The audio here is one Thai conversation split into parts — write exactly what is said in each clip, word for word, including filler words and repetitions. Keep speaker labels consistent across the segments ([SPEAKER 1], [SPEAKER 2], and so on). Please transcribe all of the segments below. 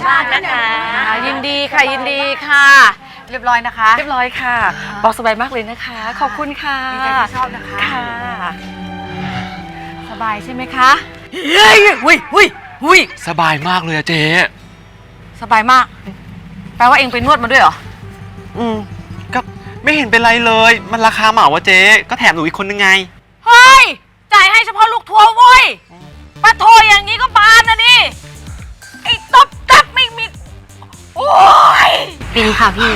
[SPEAKER 1] มากนะคะ
[SPEAKER 2] ยินดีค่ะยินดีค่ะเรียบร้อยนะคะ
[SPEAKER 1] เรียบร้อยค่ะบอกสบายมากเลยนะคะขอบคุณค่ะ
[SPEAKER 2] ดีใจที่ชอบนะคะ
[SPEAKER 1] ค่ะ
[SPEAKER 2] สบายใช่ไหมคะเฮ้ยหุยหุยหุย
[SPEAKER 3] สบายมากเลยอะเจ๊
[SPEAKER 2] สบายมากแปลว่าเองไปนวดมาด้วยเหรอ
[SPEAKER 3] อืมก็ไม่เห็นเป็นไรเลยมันราคาเหมาวะเจ๊ก็แถมหนูอีกคนนึงไง
[SPEAKER 2] เฮ้ยจ่ายให้เฉพาะลูกทัวร์เว้ยปะโทอย่างนี้ก็บานนะนี่ไอ้ตบตับไม่มีโอ้ย
[SPEAKER 1] ปีนี้ค่ะพี่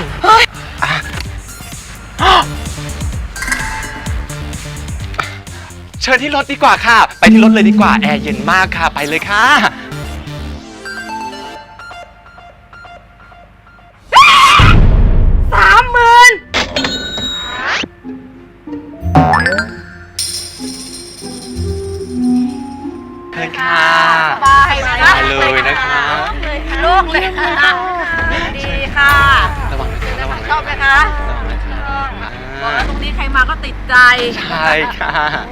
[SPEAKER 3] เชิญที่รถดีกว่าค่ะไปที่รถเลยดีกว่าแอร์เย็นมากค่ะไปเลยค่ะ
[SPEAKER 2] สามหมื่น
[SPEAKER 3] เชิญค่ะ
[SPEAKER 2] สบายไหมคะ
[SPEAKER 3] เลยนะคะ
[SPEAKER 2] โล่งเลยค่ะดีค่ะ
[SPEAKER 3] ระวังนะคะระวัง
[SPEAKER 2] ชอบไหมคะบอกแล้วตรงนี้ใครมาก็ติดใจ
[SPEAKER 3] ใช่ค่ะ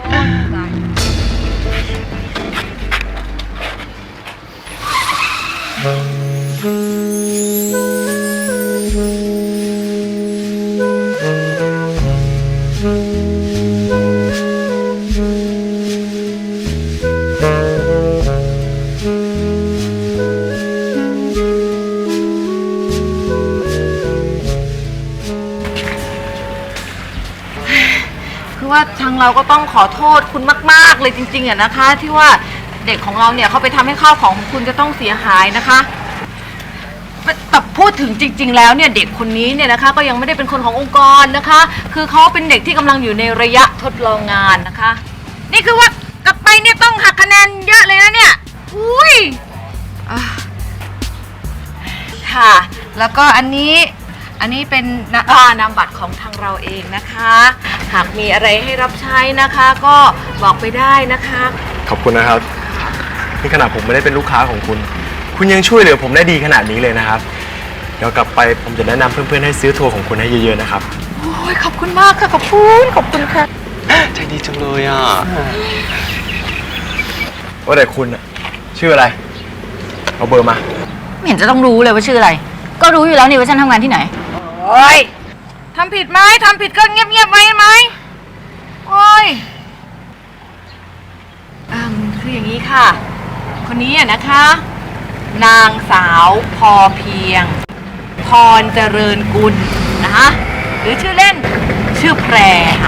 [SPEAKER 2] คือว่าทางเราก็ต้องขอโทษคุณมากๆเลยจริงๆอะนะคะที่ว่าเด็กของเราเนี่ยเขาไปทำให้ข้าวของของคุณจะต้องเสียหายนะคะแต่พูดถึงจริงๆแล้วเนี่ยเด็กคนนี้เนี่ยนะคะก็ยังไม่ได้เป็นคนขององค์กรนะคะคือเขาเป็นเด็กที่กำลังอยู่ในระยะทดลองงานนะคะนี่คือว่ากลับไปเนี่ยต้องหักคะแนนเยอะเลยนะเนี่ยอุ้ยค่ะแล้วก็อันนี้อันนี้เป็นนามบัตรของทางเราเองนะคะหากมีอะไรให้รับใช้นะคะก็บอกไปได้นะคะ
[SPEAKER 4] ขอบคุณนะครับนี่ขนาดผมไม่ได้เป็นลูกค้าของคุณคุณยังช่วยเหลือผมได้ดีขนาดนี้เลยนะครับเดี๋ยวกลับไปผมจะแนะนำเพื่อนๆให้ซื้อทัวร์ของคุณให้เยอะๆนะครับ
[SPEAKER 2] โอ้ยขอบคุณมากค่ะขอบคุณขอบคุณค่ะ
[SPEAKER 3] ใจดีจังเลยอ่ะ
[SPEAKER 4] ว่าแต่คุณชื่ออะไรเอาเบอร์มา
[SPEAKER 1] ไม่เห็นจะต้องรู้เลยว่าชื่ออะไรก็รู้อยู่แล้วนี่ว่าฉันทำงานที่ไหน
[SPEAKER 2] โอ้ยทำผิดไหมทำผิดก็เงียบๆไว้ไหมโอ้ยอืมคืออย่างนี้ค่ะคนนี้อะนะคะนางสาวพอเพียงพรเจริญกุลนะคะหรือชื่อเล่นชื่อแพรค่ะ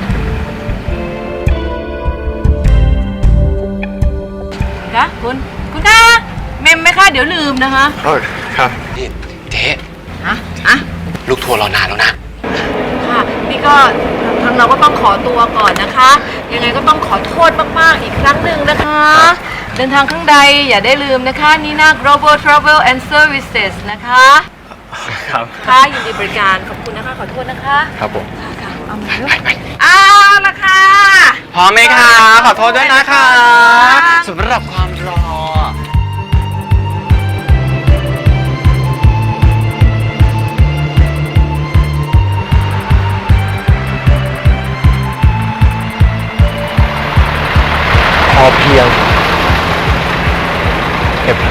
[SPEAKER 2] คะคุณคุณคะเมมไหมคะเดี๋ยวลืมนะคะ
[SPEAKER 4] ครับ
[SPEAKER 3] นี่เจ๊
[SPEAKER 2] ฮะฮะ
[SPEAKER 3] ลูกทัวร์รอนานแล้วนะ
[SPEAKER 2] ค่ะนี่ก็ทางเราก็ต้องขอตัวก่อนนะคะยังไงก็ต้องขอโทษมากๆอีกครั้งหนึ่งนะคะเดินทางข้างใดอย่าได้ลืมนะคะนี่นะ Global Travel and Services นะคะ
[SPEAKER 4] ครับ
[SPEAKER 2] ค่ะยินดีบริการขอบคุณนะคะขอโทษนะคะ
[SPEAKER 4] ครับผม
[SPEAKER 2] ค่ะค่ะเอามาด้วยเอาละค่ะ
[SPEAKER 3] พร้อมไหมคะขอโทษด้วยนะคะสำหรับความรอ
[SPEAKER 4] พอเพียงเก็บแผล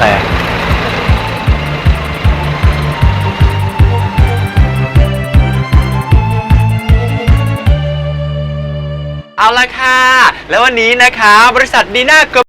[SPEAKER 3] เอาละค่ะแล้ววันนี้นะคะบริษัทดีน่า